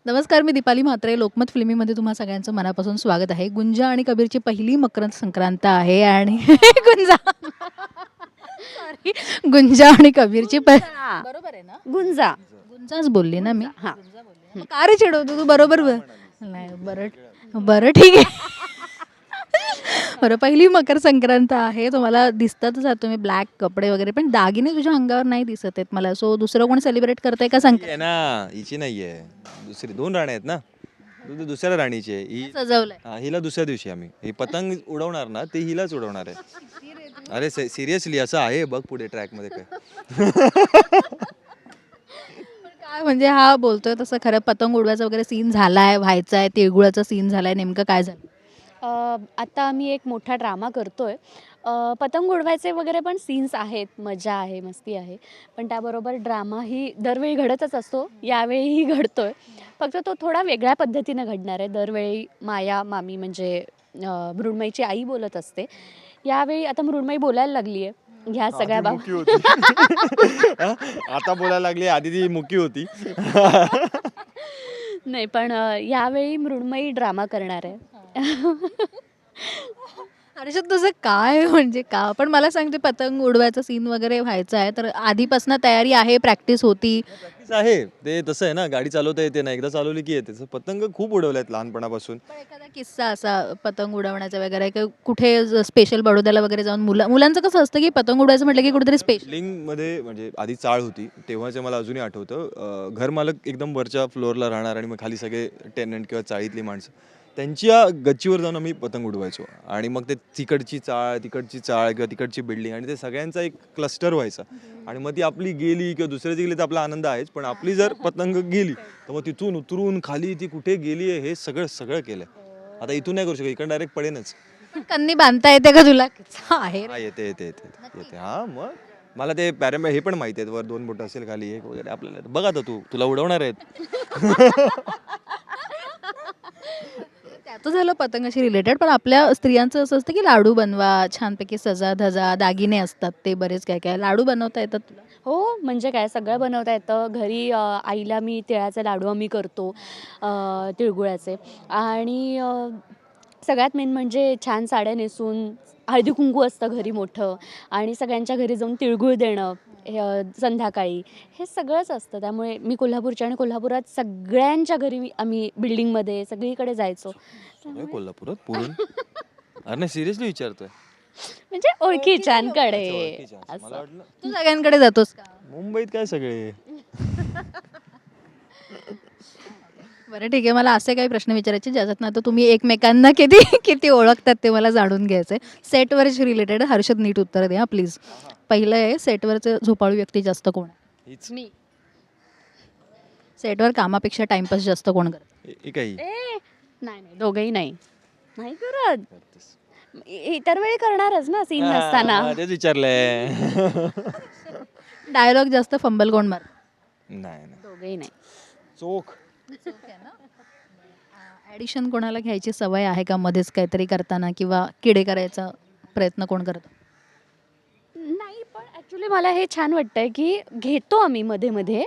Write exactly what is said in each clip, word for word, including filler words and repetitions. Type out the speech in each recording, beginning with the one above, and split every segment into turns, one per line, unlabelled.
नमस्कार, मी दीपाली म्हात्रे. लोकमत फिल्मीमध्ये तुम्हा सगळ्यांचं मनापासून स्वागत आहे. गुंजा आणि कबीरची पहिली मकर संक्रांत आहे आणि गुंजा सॉरी गुंजा आणि कबीरची प
गुंजा.
बरोबर आहे ना?
गुंजा.
गुंजाच बोलली ना मी.
हां.
गुंजा बोलली ना. मग का रे चिडवतो तू? बरोबर ब- नाही बरं बरं ठीक आहे. बरं, पहिली मकर संक्रांत आहे. तुम्हाला दिसतातच आहात तुम्ही ब्लॅक कपडे वगैरे, पण दागिने तुझ्या अंगावर नाही दिसत आहेत मला. सो दुसरं कोण सेलिब्रेट करतंय का
ही
संक्रांत?
आहे ना, हिची नाहीये. दुसरी दोन राण्या आहेत ना. दु- दु- दुसऱ्या राणीची आहे ही.
सजवलंय.
हा, हिला दुसऱ्या दिवशी आम्ही ही पतंग उडवणार ना, ते हिलाच उडवणार आहे. अरे सिरियसली असं आहे बघ पुढे ट्रॅक मध्ये काय.
काय म्हणजे हा बोलतोय तसं खरं पतंग उडवायचा वगैरे सीन झालाय, व्हायचा आहे, तिळगुळाचा सीन झालाय, नेमकं काय झालं?
अ, आता आम्ही एक मोठा ड्रामा करतोय. अ, पतंग उडवायचे वगैरे पण सीन्स आहेत, मजा आहे, मस्ती आहे. पण त्याबरोबर ड्रामाही दरवेळी घडतच असतो, यावेळीही घडतोय. फक्त तो थोडा वेगळ्या पद्धतीनं घडणार आहे. दरवेळी माया मामी म्हणजे अ, मृण्मयीची आई बोलत असते. यावेळी आता मृण्मयी बोलायला लागली आहे ह्या सगळ्या
आधी
बाब
मुकी होती. हा? आता बोलायला लागली, आधी ती मुकी होती.
नाही, पण अ, यावेळी मृण्मयी ड्रामा करणार आहे.
हर्षद तुझं काय म्हणजे का पण मला सांगते पतंग उडवायचा सीन वगैरे व्हायचा आहे तर आधीपासून तयारी आहे, प्रॅक्टिस होती.
प्रॅक्टिस आहे ते तसं आहे ना, गाडी चालवता येते ना, एकदा चालवली की येते. तसं पतंग खूप उडवल्यात लहानपणापासून.
पण एखादा किस्सा असा पतंग उडवण्याचा वगैरे की कुठे स्पेशल बडोद्याला वगैरे जाऊन मुलं मुलांचं कसं असतं की पतंग उडवायचं म्हटलं की कुठेतरी स्पेशल.
बिल्डिंग मध्ये म्हणजे आधी चाळ होती तेव्हाचे मला अजूनही आठवतं. अं, घर मालक एकदम वरच्या फ्लोअरला राहणार आणि मग खाली सगळे टेनंट किंवा चाळीतली माणसं त्यांच्या गच्चीवर जाऊन आम्ही पतंग उडवायचो आणि मग ते तिकडची चाळ तिकडची चाळ किंवा तिकडची बिल्डिंग आणि ते सगळ्यांचा एक क्लस्टर व्हायचा आणि मग ती आपली गेली किंवा दुसऱ्याची गेली तर आपला आनंद आहेच, पण आपली जर पतंग गेली तर मग तिथून उतरून खाली ती कुठे गेली आहे हे सगळं सगळं केलंय. आता इथून नाही करू शकत, इकडे डायरेक्ट पडेनच.
कन्नी बांधता येते का तुला? आहे
हा येते येते येते येते येते. हा मग मला ते पॅरेम हे पण माहिती आहेत, वर दोन बोट असेल खाली एक वगैरे आपल्याला बघा तर तू तुला उडवणार आहेत.
त्याचं झालं पतंगाशी रिलेटेड, पण आपल्या स्त्रियांचं असं असतं की लाडू बनवा, छानपैकी सजा धजा, दागिने असतात, ते बरेच काय काय लाडू बनवता येतात तुला?
हो, म्हणजे काय सगळं बनवता येतं. घरी अ, आईला मी तिळाचे लाडू आम्ही करतो, अ, तिळगुळाचे. आणि अ, सगळ्यात मेन म्हणजे छान साड्या नेसून हळदी-कुंकू असतं घरी मोठं आणि सगळ्यांच्या घरी जाऊन तिळगुळ देणं हे अ, संध्याकाळी हे सगळंच असतं. त्यामुळे मी कोल्हापूरची आणि कोल्हापुरात सगळ्यांच्या घरी मी आम्ही बिल्डिंगमध्ये सगळीकडे जायचो.
सगळं कोल्हापुरात पुरून अरे नाही सिरियसली विचारतोय.
म्हणजे ओळखीच्यांकडे
अच्छा, ओळखीच्या. मला
असं.
वाटलं
तू सगळ्यांकडे जातोस का?
मुंबईत काय सगळे.
बरं ठीक आहे, मला असे काही प्रश्न विचारायचे ज्याच्यातनं आता तुम्ही एकमेकांना किती किती ओळखतात ते मला जाणून घ्यायचं आहे. सेटवरची रिलेटेड हर्षद नीट उत्तर द्या प्लीज. पहिलं आहे, सेटवरचं झोपाळू व्यक्ती जास्त कोण आहे?
हीच
मी
सेटवर कामापेक्षा टाइमपास जास्त कोण करतं?
ए- ए काही
ए नाही नाही दोघंही नाही नाही करत.
करतेस.
इ- इतर वेळी करणारच ना सीन
हा,
नसताना.
मग तेच विचारलंय.
डायलॉग जास्त फंबल कोण मार?
नाही नाही
दोघंही नाही.
चोख.
ॲडिशन कोणाला घ्यायची सवय आहे का मध्येच काहीतरी करताना, किंवा किडे करायचा प्रयत्न कोण करतं?
नाही, पण ऍक्च्युली मला हे छान वाटतंय की घेतो आम्ही मध्ये मध्ये.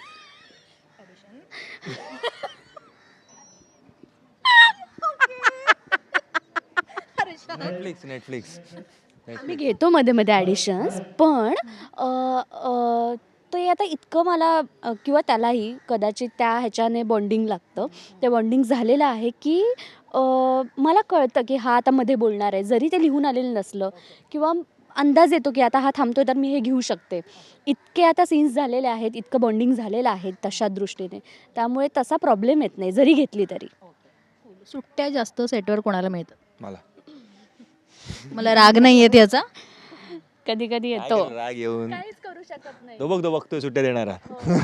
नेटफ्लिक्स नेटफ्लिक्स
आम्ही घेतो मध्ये मध्ये ॲडिशन्स, पण अ, अ, ते आता इतकं मला अ, किंवा त्यालाही कदाचित त्या ह्याच्याने बॉन्डिंग लागतं. ते बॉन्डिंग झालेलं आहे की अ, मला कळतं की हा आता मध्ये बोलणार आहे, जरी ते लिहून आलेलं नसलं किंवा अंदाज येतो की आता हा थांबतोय तर मी हे घेऊ शकते. इतके आता सीन्स झालेले आहेत, इतकं बॉन्डिंग झालेलं आहे तशा दृष्टीने, त्यामुळे तसा प्रॉब्लेम येत नाही जरी घेतली तरी.
सुट्ट्या जास्त सेटवर कोणाला मिळतात?
मला
मला राग नाही येत याचा.
कधी कधी
काय
येतो.
केलं राग येऊन.
काहीच करू शकत नाही.
तो बघ तो बघतोय सुट्ट्या देणारा.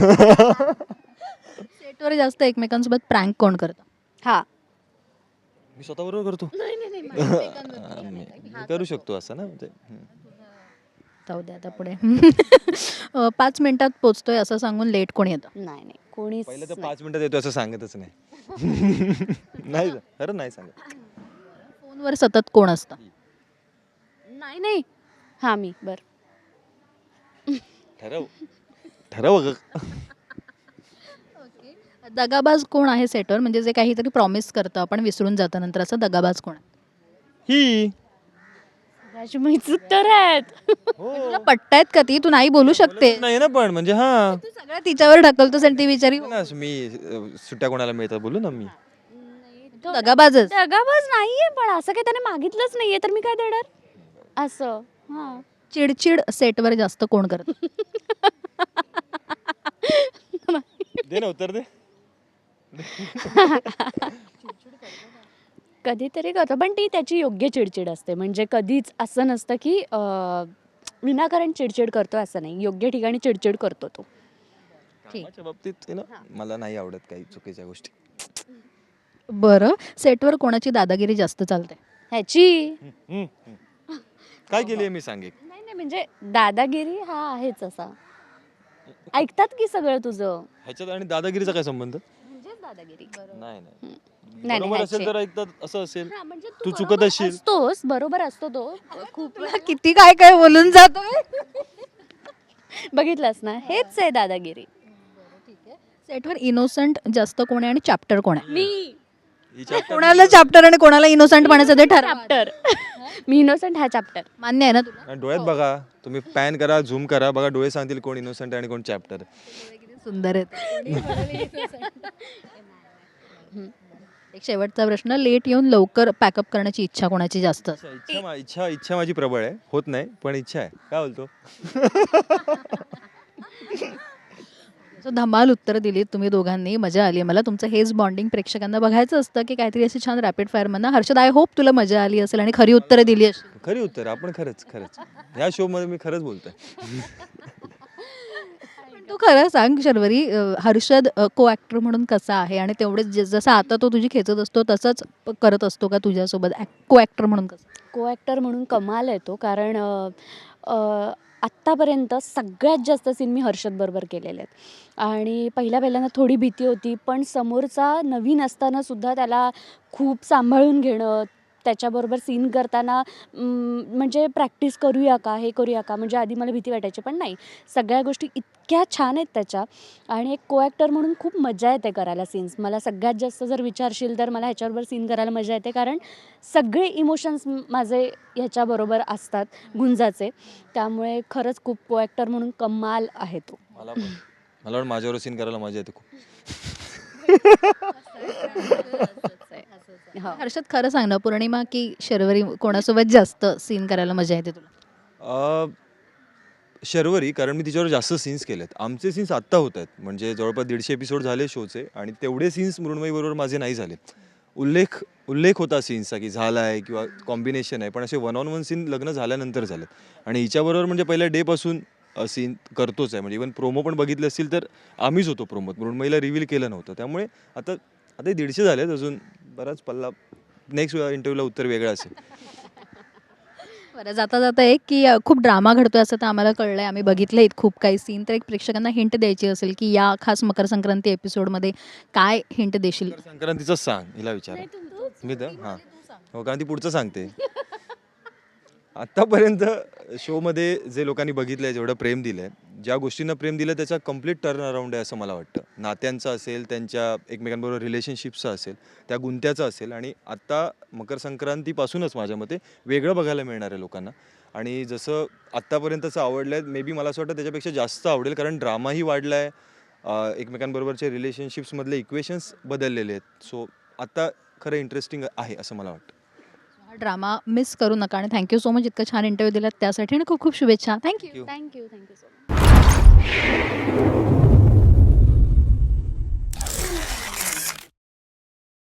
सेटवर जास्त एकमेकांसोबत प्रँक कोण करतं?
हा.
मी स्वतःबरोबर करतो.
नाही नाही नाही
मी मी करू शकतो असं ना म्हणजे हम्म.
जाऊ द्या आता पुढे. अ, पाच मिनिटात पोचतोय असं सांगून लेट कोण येतं?
नाही नाही कोणीच
पहिलं तर
नाही.
पाच मिनिटात येतो असं सांगतच नाही. नाही खरं नाही सांगत.
फोनवर सतत कोण असतं?
नाही नाही हा मी बर.
ठरव ठरव ग.
दगाबाज कोण आहे सेटवर, म्हणजे जे काहीतरी प्रॉमिस करतं आपण विसरून जातं नंतर, असं दगाबाज कोण आहे?
ही
राजू मीच उत्तर आहेत.
तुला पट्टायत का ती, तू नाही बोलू शकते,
नाही ना, पण म्हणजे हा
तू सगळं तिच्यावर ढकलतोस आणि ती बिचारी
ना, मी अ, सुट्ट्या कोणाला मिळतात बोलू ना मी.
दगाबाजच.
दगाबाज नाहीये, पण असं काही त्याने मागितलंच नाहीये तर मी काय देणार असं. हा
चिडचिड सेटवर जास्त कोण करतं?
दे ना उत्तर दे.
कधीतरी करतो, पण ती त्याची योग्य चिडचिड असते. म्हणजे कधीच असं नसतं की अं, विनाकारण चिडचिड करतो असं नाही, योग्य ठिकाणी चिडचिड करतो तो.
कामाच्या बाबतीत आहे ना, मला नाही आवडत काही चुकीच्या गोष्टी.
बरं, सेटवर कोणाची दादागिरी जास्त चालते?
ह्याची
हम्म, हम्म. काय केली मी सांगे.
नाही नाही, म्हणजे दादागिरी हा आहेच असा. ऐकतात की सगळं तुझं,
ह्याच्यात आणि दादागिरीचा काय संबंध?
म्हणजेच दादागिरी.
नाही नाही
नाही,
बरोबर असेल
ह्याचे.
तर ऐकतात, असं असेल
हा, म्हणजे
तू
बरोबर
चुकत असशील.
असतोस, बरोबर असतो तो खूप.
तुला किती काय काय बोलून जातोय.
बघितलंस ना, हेच आहे दादागिरी.
सेटवर इनोसंट जास्त कोण आहे आणि चॅप्टर कोण आहे?
मी
हिच्या
कोणाला चॅप्टर आणि कोणाला इनोसंट म्हणायचं ते ठरवा.
चॅप्टर मी इनोसंट हा चॅप्टर.
मान्य आहे ना तुला?
आणि डोळ्यात बघा, तुम्ही पॅन करा, झूम करा, बघा डोळे सांगतील कोण इनोसंट आणि कोण चॅप्टर.
किती सुंदर आहे. एक शेवटचा प्रश्न, लेट येऊन लवकर पॅकअप करण्याची इच्छा कोणाची जास्त असते?
इच्छा मा- इच्छा इच्छा माझी प्रबळ आहे, होत नाही पण इच्छा आहे. काय बोलतो?
सो धमाल उत्तर दिलीत तुम्ही दोघांनी, मजा आली मला. तुमचं हेच बॉन्डिंग प्रेक्षकांना बघायचं असतं की काहीतरी अशी छान रॅपिड फायर म्हणा. हर्षद, आय होप तुला मजा आली असेल आणि खरी उत्तरं दिली असेल.
खरी उत्तर आपण खरंच खरंच ह्या शो मध्ये मी खरंच बोलतोय.
पण तू खरं सांग शर्वरी, अं, हर्षद को ॲक्टर म्हणून कसा आहे आणि तेवढेच ज- जसं आता तो तुझी खेचत असतो तसंच प- करत असतो का तुझ्यासोबत को ॲक्टर म्हणून कसं?
को ॲक्टर म्हणून कमाल आहे तो, कारण अ, अ, आत्तापर्यंत सगळ्यात जास्त सीन मी हर्षदबरोबर केलेले आहेत. आणि पहिल्या पहिल्यांदा थोडी भीती होती, पण समोरचा नवीन असताना सुद्धा त्याला खूप सांभाळून घेणं, त्याच्याबरोबर सीन करताना अं, म्हणजे प्रॅक्टिस करूया का, हे करूया का, म्हणजे आधी मला भीती वाटायची, पण नाही, सगळ्या गोष्टी इतक्या छान आहेत त्याच्या. आणि एक को ॲक्टर म्हणून खूप मजा येते करायला सीन्स. मला सगळ्यात जास्त जर विचारशील तर मला ह्याच्याबरोबर सीन करायला मजा येते, कारण सगळे इमोशन्स माझे ह्याच्याबरोबर असतात गुंजाचे. त्यामुळे खरंच खूप को ॲक्टर म्हणून कमाल आहे तो.
मला पण मला पण माझ्यावर सीन करायला मजा येते खूप.
हो.
हर्षद, खरं सांग ना, पौर्णिमा की शर्वरी, कोणासोबत जास्त सीन करायला मजा येते तुला?
अ, शर्वरी, कारण मी तिच्यावर जास्त सीन्स केलेत. आमचे सीन्स आत्ता होत आहेत, म्हणजे जवळपास दीडशे एपिसोड झाले शोचे आणि तेवढे सीन्स मृण्मयीबरोबर माझे नाही झाले. उल्लेख उल्लेख होता सीन्सचा की झाला आहे किंवा कॉम्बिनेशन आहे, पण असे वन ऑन वन सीन लग्न झाल्यानंतर झालेत. आणि हिच्याबरोबर म्हणजे पहिल्या डेपासून सीन करतोच आहे, म्हणजे इवन प्रोमो पण बघितले असतील तर आम्हीच होतो प्रोमोत, मृण्मयीला रिव्हील केलं नव्हतं. त्यामुळे आता आता दीडशे झालेत, अजून बराच पल्ला. नेक्स्ट इंटरव्ह्यूला उत्तर वेगळं असेल.
बरं, जाता जाता एक की अ, खूप ड्रामा घडतोय असं तर आम्हाला कळलंय, आम्ही बघितले खूप काही सीन. तर एक प्रेक्षकांना हिंट द्यायची असेल की या खास मकर संक्रांती एपिसोडमध्ये काय हिंट देशील?
मकर संक्रांतीचंच सांग, हिला विचार. मी तर हां हो, कारण ती पुढचं सांगते. आत्तापर्यंत शोमध्ये जे लोकांनी बघितलं आहे, जेवढं प्रेम दिलं आहे, ज्या गोष्टींना प्रेम दिलं त्याचा कम्प्लीट टर्न अराऊंड आहे असं मला वाटतं. नात्यांचं असेल, त्यांच्या एकमेकांबरोबर रिलेशनशिप्सचं असेल, त्या गुंत्याचं असेल. आणि आत्ता मकर संक्रांतीपासूनच माझ्या मते वेगळं बघायला मिळणार आहे लोकांना. आणि जसं आत्तापर्यंतचं आवडलं आहे, मे बी मला असं वाटतं त्याच्यापेक्षा जास्त आवडेल, कारण ड्रामाही वाढला आहे, एकमेकांबरोबरचे रिलेशनशिप्समधले इक्वेशन्स बदललेले आहेत. सो आत्ता खरं इंटरेस्टिंग आहे असं मला वाटतं.
हा ड्रामा मिस करू नका आणि थँक्यू सो मच इतकं छान इंटरव्ह्यू दिलात त्यासाठी आणि खूप खूप शुभेच्छा. Thank you.
Thank you thank you so much.